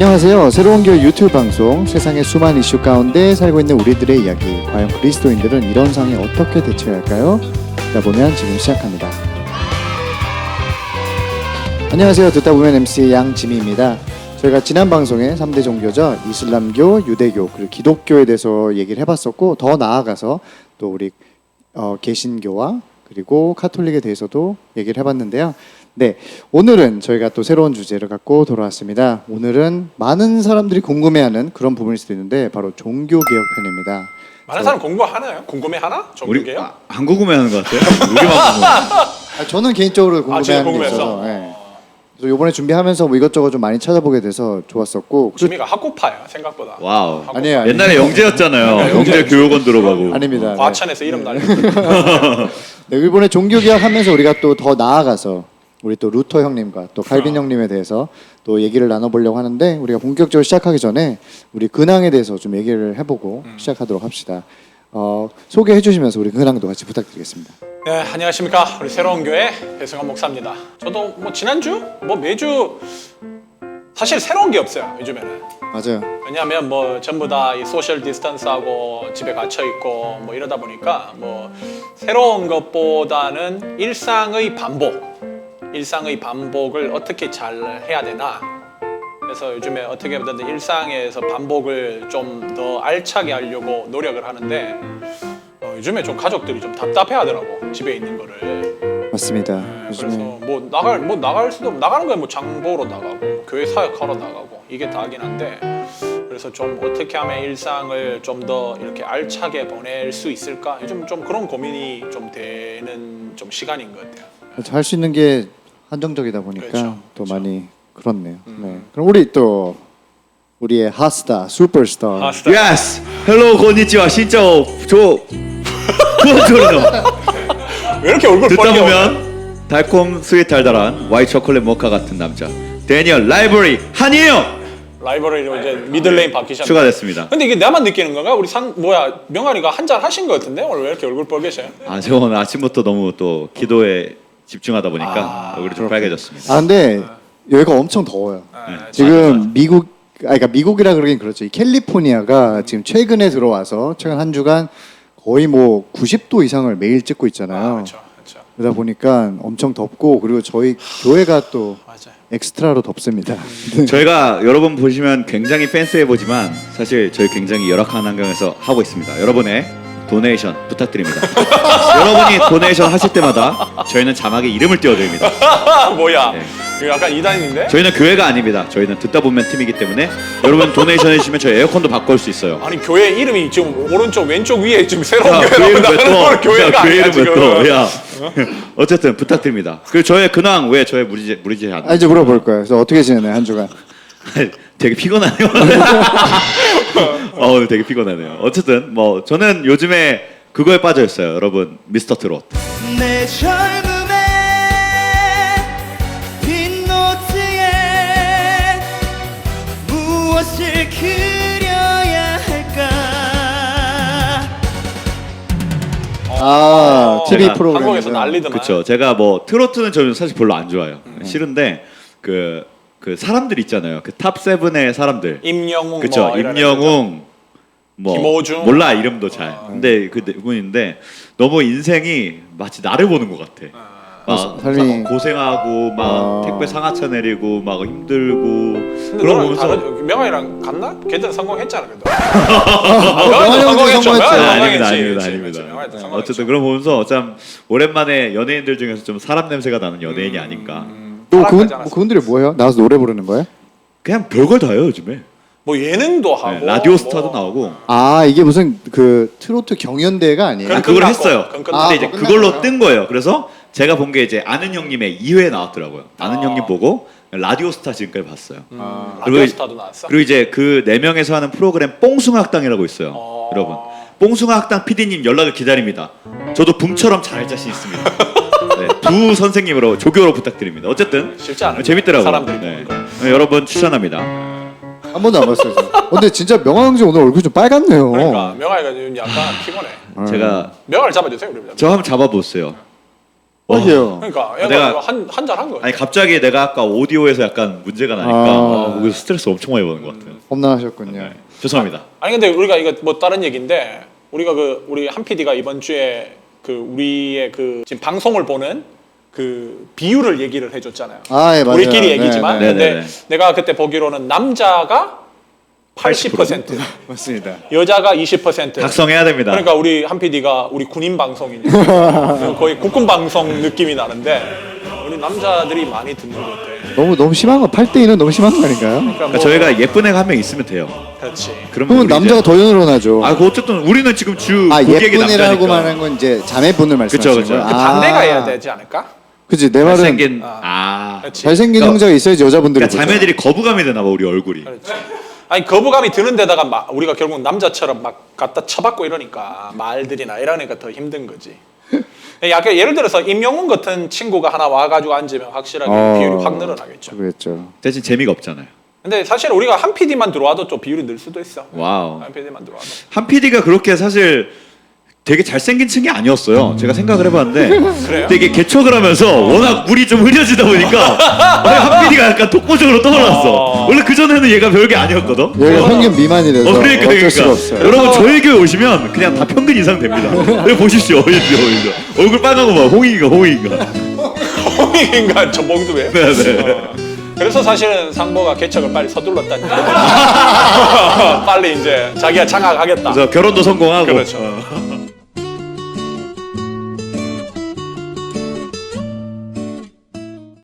안녕하세요. 새로운 교회 유튜브 방송 세상의 수많은 이슈 가운데 살고 있는 우리들의 이야기. 과연 그리스도인들은 이런 상황에 어떻게 대처해야 할까요? 듣다 보면 지금 시작합니다. 안녕하세요. 듣다 보면 MC 양지미입니다. 저희가 지난 방송에 3대 종교죠. 이슬람교, 유대교, 그리고 기독교에 대해서 얘기를 해봤었고, 더 나아가서 또 우리 개신교와 그리고 카톨릭에 대해서도 얘기를 해봤는데요. 네, 오늘은 저희가 또 새로운 주제를 갖고 돌아왔습니다. 오늘은 많은 사람들이 궁금해하는 그런 부분일 수도 있는데 바로 종교개혁 편입니다. 많은 사람 공부하나요? 궁금해하나? 종교개혁? 안 궁금해하는 것 같아요. 우리만 궁금해. 저는 개인적으로 궁금해하는 게 있어서 그래서 이번에 준비하면서 뭐 이것저것 좀 많이 찾아보게 돼서 좋았었고. 지미가 학구파야 생각보다. 와우. 학구파. 아니에요. 옛날에 영재였잖아요. 영재 교육원 들어가고. 아닙니다. 과천에서 이름 날리고. 네, 이번에 종교개혁 하면서 우리가 또 더 나아가서 우리 또 루터 형님과 또 칼빈 형님에 대해서 또 얘기를 나눠보려고 하는데, 우리가 본격적으로 시작하기 전에 우리 근황에 대해서 좀 얘기를 해보고 시작하도록 합시다. 소개해 주시면서 우리 근황도 같이 부탁드리겠습니다. 네, 안녕하십니까. 우리 새로운 교회 배승환 목사입니다. 저도 뭐 지난주 뭐 매주 사실 새로운 게 없어요, 요즘에는. 맞아요. 왜냐하면 뭐 전부 다 이 소셜 디스턴스하고 집에 갇혀 있고 뭐 이러다 보니까 뭐 새로운 것보다는 일상의 반복을 어떻게 잘 해야 되나. 그래서 요즘에 어떻게든 일상에서 반복을 좀 더 알차게 하려고 노력을 하는데, 요즘에 좀 가족들이 좀 답답해하더라고, 집에 있는 거를. 맞습니다. 네, 요즘에 그래서 나갈 수도 나가는 거야. 뭐 장 보러 나가고 교회 사역하러 나가고 이게 다긴 한데, 그래서 좀 어떻게 하면 일상을 좀 더 이렇게 알차게 보낼 수 있을까? 요즘 좀 그런 고민이 좀 되는 좀 시간인 것 같아요. 할 수 있는 게 한정적이다 보니까 그렇죠. 또 많이 그렇네요. 네. 그럼 우리의 핫스타, 슈퍼스타. 예스. 헬로 고니치와 신짜오 조. 부어줘요. 왜 이렇게 얼굴 듣다 빨개? 보면 달콤 스윗 달달한 와이트 초콜릿 모카 같은 남자 데니얼 라이브러리 한이에요. 라이벌이 이제 미들레인 바뀌셨네. 추가됐습니다. 근데 이게 나만 느끼는 건가? 우리 명아리가 한 잔 하신 것 같은데 오늘 왜 이렇게 얼굴 빨개져요? 저 오늘 아침부터 너무 또 기도에 집중하다 보니까 얼굴이 좀 빨개졌습니다. 근데 여기가 엄청 더워요. 지금 그러니까 미국이라 그러긴 그렇죠. 이 캘리포니아가 지금 최근에 들어와서 최근 한 주간 거의 뭐 90도 이상을 매일 찍고 있잖아요. 그렇죠. 그러다 보니까 엄청 덥고, 그리고 저희 교회가 또 맞아요. 엑스트라로 덥습니다. 저희가 여러분 보시면 굉장히 팬스해 보지만 사실 저희 굉장히 열악한 환경에서 하고 있습니다. 여러분의 도네이션 부탁드립니다. 여러분이 도네이션 하실 때마다 저희는 자막에 이름을 띄워드립니다. 뭐야? 네. 이거 약간 이단인데? 저희는 교회가 아닙니다. 저희는 듣다 보면 팀이기 때문에 여러분 도네이션 해주시면 저희 에어컨도 바꿀 수 있어요. 아니 교회 이름이 지금 오른쪽 왼쪽 위에 지금 새로운 야, 교회라고 왜 나가는 또? 걸 교회가 야, 아니야 왜 지금. 또? 야. 어쨌든 부탁드립니다. 그리고 저의 근황 왜 저의 무리지 않나? 이제 물어볼 거예요. 그래서 어떻게 지내나요, 한 주간? 되게 피곤하네요. 되게 피곤하네요. 어쨌든 뭐 저는 요즘에 그거에 빠져 있어요. 여러분, 미스터 트롯. 내 젊음의 빈 노트에 무엇을 그려야 할까? TV 제가 프로그램. 한국에서 난리더만. 그렇죠. 제가 뭐 트로트는 저는 사실 별로 안 좋아해요. 싫은데 그 사람들 있잖아요. 그 탑 세븐의 사람들. 임영웅 그렇죠. 뭐 이런 임영웅 뭐 김호중. 몰라 이름도 잘. 근데 그분인데 너무 인생이 마치 나를 보는 것 같아. 막 삶이- 고생하고 막 택배 상하차 내리고 막 힘들고 근데 그런 너는 보면서 명아이랑 갔나? 걔들 성공했잖아 그래도. 명아이 형도 성공했죠. 아닙니다. 어쨌든 그런 보면서 참 오랜만에 연예인들 중에서 좀 사람 냄새가 나는 연예인이 아닌가. 또 사랑하지 않았어요. 그분들이 뭐예요? 나와서 노래 부르는 거예요? 그냥 별걸 다 해요 요즘에. 뭐 예능도 하고 네, 라디오 스타도 뭐. 나오고. 이게 무슨 그 트로트 경연대회가 아니에요? 그럼 그걸 끝났고, 했어요. 그건 근데 끝났고. 이제 끝난 그걸로 거예요? 뜬 거예요. 그래서 제가 본 게 이제 아는 형님의 2회 나왔더라고요. 아는 형님 보고 라디오 스타 지금까지 봤어요. 라디오 그리고 스타도 나왔어? 그리고 이제 그 4명에서 하는 프로그램 뽕숭아학당이라고 있어요. 여러분. 뽕숭아학당 PD님 연락을 기다립니다. 저도 붐처럼 잘할 자신 있습니다. 네, 두 선생님으로 조교로 부탁드립니다. 어쨌든 쉽지 않아요. 재밌더라고요. 사람들이 네. 보는 여러분 추천합니다. 한 번도 안 봤어요. 근데 진짜 명화 형제 오늘 얼굴 좀 빨갛네요. 그러니까 명아이가 지금 약간 피곤해. 제가 명아를 잡아주세요 우리. 저 한번 잡아보세요. 그러게요. 그러니까 내가- 얘가 한잔 한 거야. 아니 갑자기 내가 아까 오디오에서 약간 문제가 나니까 거기서 스트레스 엄청 많이 받는 것 같아요. 험난하셨군요. 네. 죄송합니다. 아니 근데 우리가 이거 뭐 다른 얘기인데 우리가 우리 한 PD가 이번 주에 우리의 지금 방송을 보는 비율을 얘기를 해줬잖아요. 아, 예, 맞아요. 우리끼리 네, 얘기지만 네. 근데 네네네. 내가 그때 보기로는 남자가 80%, 맞습니다. 여자가 20%. 각성해야 됩니다. 그러니까 우리 한 PD가 우리 군인 방송이니까 거의 국군 방송 느낌이 나는데 우리 남자들이 많이 듣는 것 같아. 너무 심한 거 8대2는 너무 심한 거 아닌가요? 그러니까 그러니까 저희가 예쁜 애가 한 명 있으면 돼요. 그렇지. 그러면 그러면 우리 남자가 이제- 더 연로나죠. 아, 그 어쨌든 우리는 지금 주 고객의 예쁜이라고 남자니까. 말하는 건 이제 자매분을 말씀하시는 그쵸. 거예요. 그 반대가 해야 되지 않을까? 그치, 내 말은 잘생긴 그렇지. 잘생긴 그러니까- 형제가 있어야지 여자분들이 그러니까 보죠. 자매들이 거부감이 되나 봐 우리 얼굴이. 그렇지. 아니 거부감이 드는 데다가 우리가 결국 남자처럼 막 갖다 쳐박고 이러니까 말들이나 이러니까 더 힘든 거지. 약간 예를 들어서 임영웅 같은 친구가 하나 와가지고 앉으면 확실하게 비율이 확 늘어나겠죠. 그랬죠. 대신 재미가 없잖아요. 근데 사실 우리가 한 PD만 들어와도 좀 비율이 늘 수도 있어. 와우. 한 PD만 들어와도. 한 PD가 그렇게 사실 되게 잘생긴 층이 아니었어요. 제가 생각을 해봤는데 그래요? 되게 개척을 하면서 워낙 물이 좀 흐려지다 보니까 한 PD가 약간 독보적으로 떠올랐어. 원래 그 전에는 얘가 별게 아니었거든. 여기가 평균 미만이라서 그러니까 어쩔 수가 없어요. 여러분 저희 교회 오시면 그냥 다 평균 이상 됩니다. 여기 보십시오. 얼굴 빨간 거 봐. 홍익이가. 홍익인가 저 몽두에. 네. 그래서 사실은 상보가 개척을 빨리 서둘렀다니. 빨리 이제 자기가 장악하겠다. 그래서 결혼도 성공하고. 그렇죠.